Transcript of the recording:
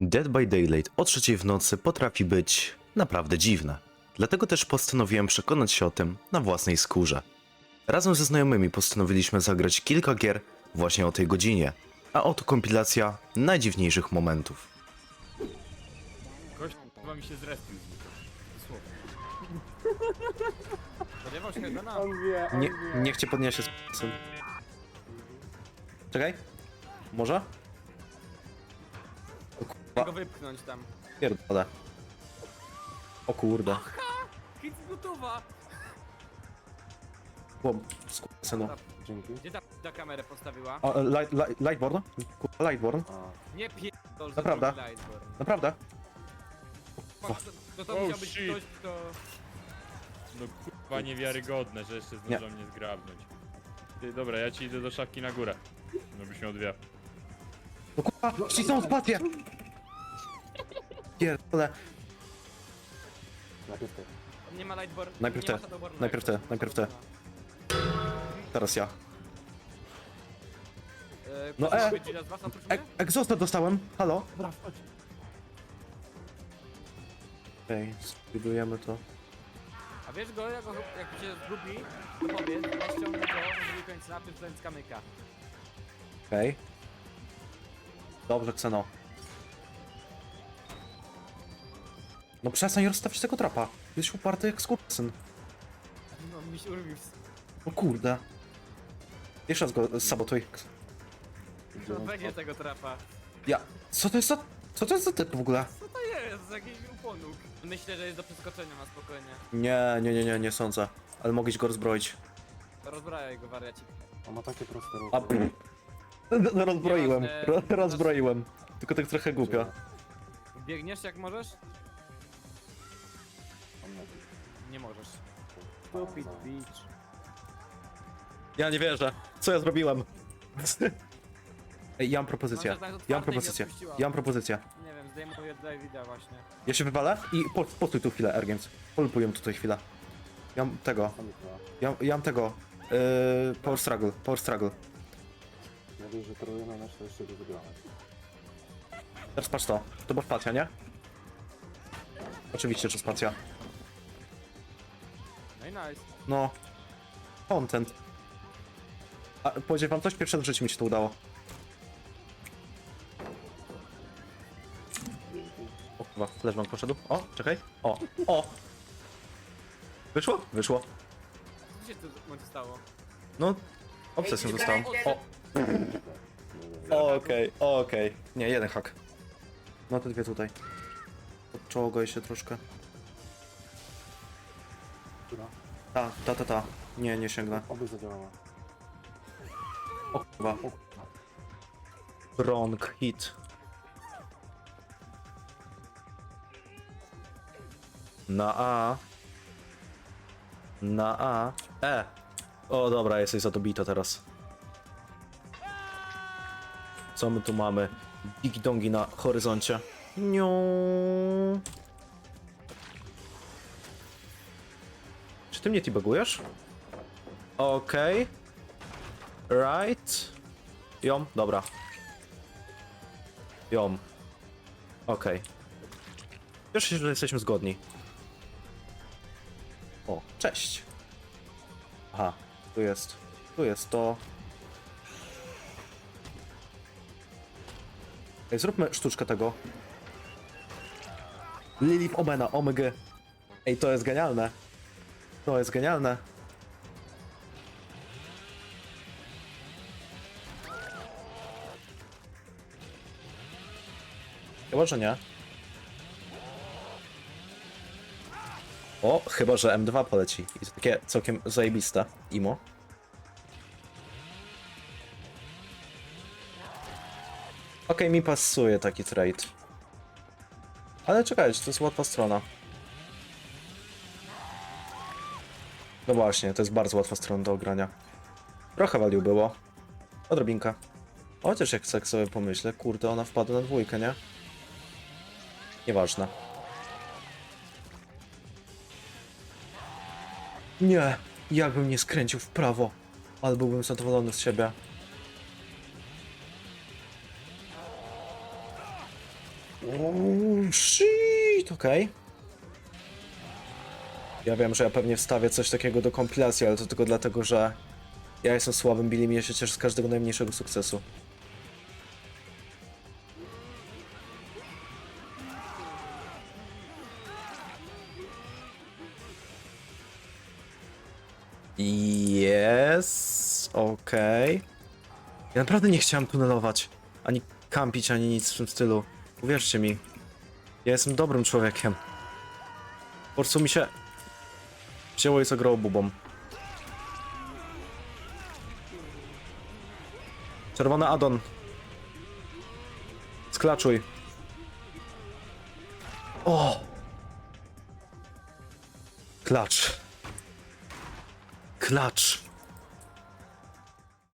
Dead by Daylight o 3 w nocy potrafi być naprawdę dziwne. Dlatego też postanowiłem przekonać się o tym na własnej skórze. Razem ze znajomymi postanowiliśmy zagrać kilka gier właśnie o tej godzinie, a oto kompilacja najdziwniejszych momentów. Gość chyba mi się zrespił z nich. Dosłownie. Spodziewał się Hedona? Niech cię podniesie syn. Czekaj. Może? Go wypchnąć tam. Pierdolę. O kurde. Hit z gotowa! Łom, synu. Dzięki. Gdzie ta kamerę postawiła? O, Lightborn? Kurwa, Lightborn. Nie pierdol, że Naprawdę? drugi Lightborn. Naprawdę? To musiał być ktoś, kto... No kurwa niewiarygodne, że jeszcze zdążą mnie zgrabnąć. Ty, dobra, ja ci idę do szafki na górę. No byś miał dwie. No kurwa, ścisnął spację! Pierdolę. Najpierw ty. Nie ma Lightborn. Najpierw nie ty. ma Shadowborna Najpierw jeszcze. ty, najpierw ty. Teraz ja. No, Ktoś będzie z was oprócz mnie? Egzostę dostałem. Halo? Okej, spróbujemy to. A wiesz go, jak się zgubi, to powiedz, ja ściągnę go na drugi końcu napy, wstając kamyka. Okej. Dobrze, Kseno. No przestań rozstawić tego trapa. Jesteś uparty jak skurczyn. No mi się urwił. No kurde. Jeszcze raz go sabotuj. No będzie tego trapa. Ja. Co to jest za... Co to jest za typ w ogóle? Co to jest? Jakiś uponuk. Myślę, że jest do przeskoczenia na spokojnie. Nie sądzę. Ale mogłeś go rozbroić. Rozbrajaj go, wariacik. On ma takie proste A... ruchy. No, rozbroiłem. Nieważne. Rozbroiłem. Tylko tak trochę głupio. Biegniesz jak możesz? On ma Nie możesz. Stupid bitch. Ja nie wierzę. Co ja zrobiłem? Ej, ja mam propozycję. Mam, że tak Ja mam otwarte i propozycję. nie odpuściła. Ja mam propozycję. Nie wiem, zdejmuję Davida właśnie. Ja się wywalę i postój tu chwilę, Ergens. Polpuję tutaj chwilę. Ja mam tego. Tam jest dwa. Ja mam tego. Power struggle. Power struggle. Ja wiem, że trolujemy nasz, to jeszcze go wygramy. Teraz patrz to. To była spacja, nie? Oczywiście, że spacja. No i nice. No. Content. A powiedzieć wam coś? Pierwsze w życiu mi się to udało. O chyba, flashbang poszedł. O, czekaj. O! Wyszło? Wyszło. Co się tu w momencie stało? No, obsesją zostałem. Okej. Nie, jeden hak. No te dwie tutaj. Odczołgaj się troszkę. Która? Ta. Nie sięgnę. Oby zadziałała. O chyba. Wrong hit. Na A. E. O dobra, jesteś za to bita teraz. Co my tu mamy? Digi dongi na horyzoncie. Niu. Czy ty mnie tibagujesz? Okej. Right. Jom, dobra. Jom. Okej. Cieszę się, że jesteśmy zgodni. O, cześć. Aha, tu jest to. Ej, zróbmy sztuczkę tego. Lilith Omena, OMG. Ej, to jest genialne. To jest genialne. Chyba, że nie. O, chyba, że M2 poleci. I to takie całkiem zajebiste. Imo. Okej, mi pasuje taki trade. Ale czekajcie, to jest łatwa strona. No właśnie, to jest bardzo łatwa strona do ogrania. Trochę value było. Odrobinka. Chociaż jak tak sobie pomyślę, kurde, ona wpadła na dwójkę, nie? Nieważne. Nie, jakbym nie skręcił w prawo, ale byłbym zadowolony z siebie. Oh, shit, okej. Ja wiem, że ja pewnie wstawię coś takiego do kompilacji, ale to tylko dlatego, że ja jestem słabym Billim i ja się cieszę z każdego najmniejszego sukcesu. Jest, okej. Ja naprawdę nie chciałem tunelować, ani kampić, ani nic w tym stylu. Uwierzcie mi. Ja jestem dobrym człowiekiem. Po prostu mi się wzięło i zagrało bubą. Czerwony addon. Sklaczuj. O! Klacz. Klacz.